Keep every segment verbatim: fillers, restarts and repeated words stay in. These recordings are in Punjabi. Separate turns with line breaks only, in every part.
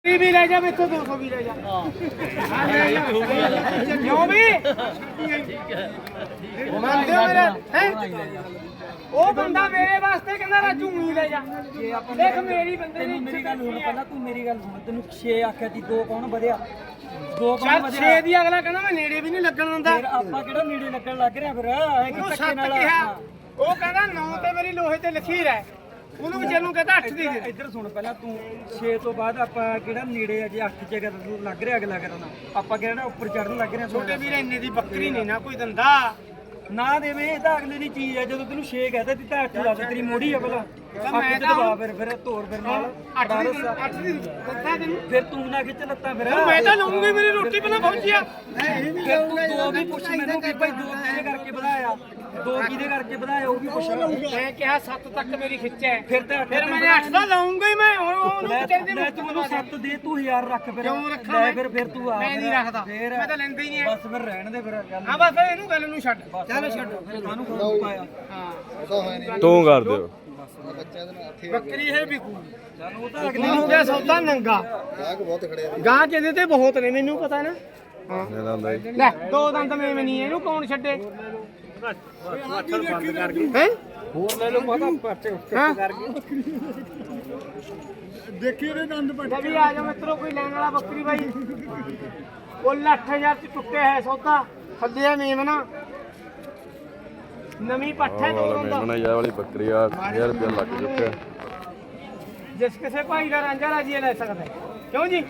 भी ले जा इतों दो सौ भी ले जा क्यों भी मानते हो मेरा हैं ਉਹ ਬੰਦਾ ਮੇਰੇ ਵਾਸਤੇ ਕਹਿੰਦਾ ਰਾਜੂ ਨਹੀਂ ਲੈ ਜਾ ਦੇਖ ਮੇਰੀ ਬੰਦੇ ਨੇ
ਮੇਰੀ ਗੱਲ ਸੁਣ ਪਹਿਲਾਂ ਤੂੰ ਮੇਰੀ ਗੱਲ ਸੁਣ ਤੈਨੂੰ ਛੇ ਆਖਿਆ ਸੀ ਦੋ ਕੌਣ ਵਧਿਆ ਦੋ ਕੌਣ
ਚੱਲ
ਵਧਿਆ
ਛੇ ਦੀ ਅਗਲਾ ਕਹਿੰਦਾ ਮੈਂ ਨੇੜੇ ਵੀ ਨਹੀਂ ਲੱਗਣ ਦਿੰਦਾ
ਫਿਰ ਆਪਾਂ ਕਿਹੜਾ ਨੇੜੇ ਲੱਗਣ ਲੱਗ ਰਿਹਾ ਫਿਰ ਇਹ
ਉਹਨੂੰ
ਧੱਕੇ
ਸੱਤ
ਨਾਲ
ਕਿਹਾ ਉਹ ਕਹਿੰਦਾ ਨੌ ਤੇ ਮੇਰੀ ਲੋਹੇ ਤੇ ਲਖੀਰ ਹੈ ਉਹਨੂੰ ਵਿਚਾਰ ਨੂੰ ਕਹਿੰਦਾ ਅੱਠ ਦੀ ਦੇ ਦੇ।
ਇੱਧਰ ਸੁਣ ਪਹਿਲਾਂ ਤੂੰ ਛੇ ਤੋਂ ਬਾਅਦ ਆਪਾਂ ਕਿਹੜਾ ਨੇੜੇ ਅਜੇ ਅੱਠ ਜਗ੍ਹਾ ਤੇ ਲੱਗ ਰਿਹਾ ਅਗਲਾ ਕਰਨਾ ਆਪਾਂ ਕਿਹੜਾ ਉੱਪਰ ਚੜਨ ਲੱਗ ਰਿਹਾ
ਛੋਟੇ ਵੀਰ ਇੰਨੇ ਦੀ ਬੱਕਰੀ ਨਹੀਂ ਨਾ ਕੋਈ ਦਿੰਦਾ
ਨਾ ਦੇਵੇ ਇਹ ਤਾਂ ਅਗਲੇ ਦੀ ਚੀਜ਼ ਹੈ ਜਦੋਂ ਤੈਨੂੰ ਛੇ ਕਹਤਾ ਤੀ ਤਾਂ ਅੱਠ ਲਾ ਦੇ ਤੇਰੀ ਮੋੜੀ ਆ ਪਹਿਲਾਂ
ਮੈਂ
ਮੈਂ
ਤਾਂ
ਤਾਂ ਫਿਰ ਫਿਰ ਤੋਰ ਫਿਰ ਨਾਲ
ਅੱਠ ਦੀ ਅੱਠ ਦੀ ਦਿੱਤਾ ਤੈਨੂੰ
ਫਿਰ ਤੂੰ ਨਾ ਖਿੱਚ ਲੱਤਾਂ ਫਿਰ
ਮੈਂ ਤਾਂ ਲਊਂਗੀ ਮੇਰੀ ਰੋਟੀ ਪਹਿਲਾਂ ਪਹੁੰਚਿਆ
ਫਿਰ ਤੂੰ ਦੋ ਵੀ ਪੁੱਛ ਮੈਨੂੰ ਕਿ ਭਾਈ ਦੋ ਕਿਹਦੇ ਕਰਕੇ ਵਧਾਇਆ ਦੋ ਕਿਹਦੇ ਕਰਕੇ ਵਧਾਇਆ ਉਹ ਵੀ ਪੁੱਛ
ਮੈਂ ਕਿਹਾ ਸੱਤ ਤੱਕ ਮੇਰੀ ਖਿੱਚ ਹੈ
ਫਿਰ ਤਾਂ
ਫਿਰ ਮੈਂ ਅੱਠ ਦਾ ਲਾਉਂਗਾ ਹੀ ਮੈਂ ਹੁਣ ਉਹਨੂੰ ਕਹਿੰਦੇ
ਮੈਂ ਤੂੰ ਮੈਨੂੰ ਸੱਤ ਦੇ ਤੂੰ ਹਜ਼ਾਰ ਰੱਖ ਫਿਰ
ਕਿਉਂ ਰੱਖਾਂ
ਲੈ ਫਿਰ ਫਿਰ ਤੂੰ ਆ
ਮੈਂ ਨਹੀਂ ਰੱਖਦਾ
ਫਿਰ
ਮੈਂ ਤਾਂ ਲੈਂਦਾ ਹੀ ਨਹੀਂ
ਬਸ ਫਿਰ ਰਹਿਣ ਦੇ ਫਿਰ ਗੱਲ
ਹਾਂ ਬਸ ਇਹਨੂੰ ਗੱਲ ਨੂੰ ਛੱਡ
ਚੱਲ ਛੱਡ ਸਾਨੂੰ ਕੋਈ ਪਾਇਆ
ਹਾਂ
ਤੂੰ ਕਰ ਦਿਓ
ਬੱਕਰੀ ਹੈ ਵਿਕੂ
ਸਾਨੂੰ ਉਹ ਤਾਂ
ਅਗਲੀ ਹੋ ਗਿਆ ਸੌਦਾ ਨੰਗਾ ਗਾਂ ਜਿਹਦੇ ਤੇ ਬਹੁਤ ਨੇ ਮੈਨੂੰ ਪਤਾ ਨਾ ਹਾਂ
ਮੇਰਾ ਹੁੰਦਾ ਜੀ
ਲੈ ਦੋ ਦੰਦ ਮੈਂ ਨਹੀਂ ਇਹਨੂੰ ਕੌਣ ਛੱਡੇ ਹੈ
ਹੋਰ ਲੈ ਲਓ ਪਤਾ ਪਰਚੇ
ਹਾਂ
ਕਰ ਗਏ
ਦੇਖੀ ਇਹਦੇ ਦੰਦ ਪੱਟੇ ਵੀ ਆ ਜਾ ਮਿੱਤਰੋ ਕੋਈ ਲੈਣ ਵਾਲਾ ਬੱਕਰੀ ਬਾਈ ਕੁੱਲ ਅੱਠ ਹਜ਼ਾਰ ਚ ਟੁੱਟੇ ਹੈ ਸੌਦਾ ਥੱਲੇ ਮੇਮਨਾ ਨਵੀਂ ਪੱਠ ਹੈ ਦੋ ਦੰਦ
ਮੇਮਣਾ ਯਾ ਵਾਲੀ ਬੱਕਰੀ ਆ ਹਜ਼ਾਰ ਰੁਪਇਆ ਲੱਗ ਚੁੱਕਿਆ
ਜਿਸ ਕਿਸੇ ਭਾਈ ਦਾ ਰਾਂਝਾ ਰਾਜੀ ਲੈ ਸਕਦਾ ਹੈ। ਕਿਉਂ ਜੀ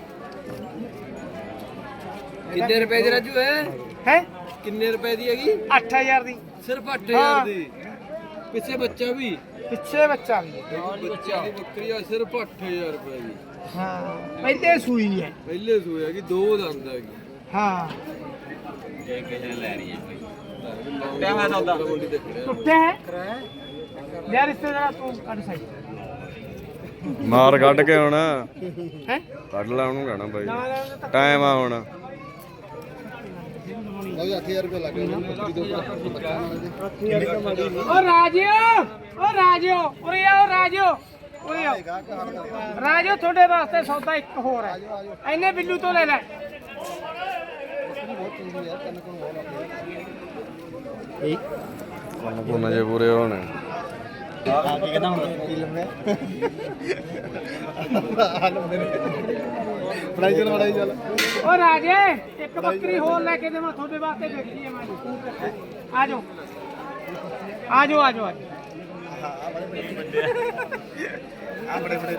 ਕਿੰਨੇ ਰੁਪਏ ਦੀ ਰਾਜੂ ਹੈ
ਹੈ
ਕਿੰਨੇ ਰੁਪਏ ਦੀ ਹੈਗੀ
ਅੱਠ ਹਜ਼ਾਰ ਦੀ
ਸਿਰਫ ਅੱਠ
ਹਾਂ।
ਹਜ਼ਾਰ ਦੀ ਪਿੱਛੇ ਬੱਚਾ ਵੀ
ਪਿੱਛੇ ਬੱਚਾ ਵੀ ਹੈ।
ਬੱਚਾ ਦੀ ਬੱਕਰੀ ਆ ਸਿਰਫ ਅੱਠ ਹਜ਼ਾਰ ਰੁਪਏ ਦੀ
ਹਾਂ ਪਹਿਲੇ ਸੂਈ ਹੈ
ਪਹਿਲੇ ਸੂਏ ਹੈਗੀ ਦੋ ਦੰਦ ਹੈਗੀ
ਹਾਂ
ਟਾਈਮ ਹੈ ਸੌਦਾ ਮੰਡੀ ਤੇ ਖੜਿਆ
ਟੁੱਟੇ ਹੈ ਯਾਰ ਰਿਸ਼ਤੇਦਾਰ ਤੂੰ ਕੱਢ ਸਾਈ
ਮਾਰ ਕੱਢ ਕੇ ਹੁਣ
ਹੈ
ਕੱਢ ਲੈ ਉਹਨੂੰ ਕਹਿਣਾ ਬਾਈ
ਨਾ ਲੈਣ ਦੇ
ਟਾਈਮ ਆ ਹੁਣ
ਓ ਰਾਜਿਓ ਓ ਰਾਜਿਓ ਉਰੇ ਆਓ ਰਾਜਿਓ ਉਰੇ ਆਓ ਰਾਜਿਓ ਤੁਹਾਡੇ ਵਾਸਤੇ ਸੌਦਾ ਇੱਕ ਹੋਰ ਹੈ ਐਨੇ ਬਿੱਲੂ ਤੋਂ ਲੈ ਲੈ
ਕੰਨ ਕੁੰਨ ਜੇ ਪੂਰੇ ਹੋਣੇ
ਓ ਰਾਜੇ ਇੱਕ ਬੱਕਰੀ ਹੋਰ ਲੈ ਕੇ ਦੇਵਾਂ ਤੁਹਾਡੇ ਵਾਸਤੇ ਦੇਖੀ ਹੈ ਮੈਂ ਆ ਜਾਓ ਆ ਜਾਓ ਆ ਜਾਓ ਆ ਬੜੇ ਬੜੇ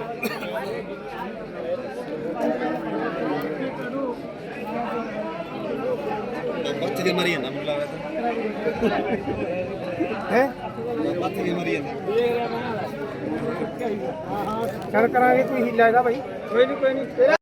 ਬੱਚੇ ਦੇ ਮਰੀ ਜਾਂਦਾ ਮੈਨੂੰ ਲੱਗਦਾ
ਹੈ
ਬੱਚੇ ਦੇ ਮਰੀ ਜਾਂਦਾ
ਚੱਲ ਕਰਾਂਗੇ ਕੋਈ ਹੀਲਾ ਇਹਦਾ ਭਾਈ ਕੋਈ ਨਹੀਂ ਕੋਈ ਨਹੀਂ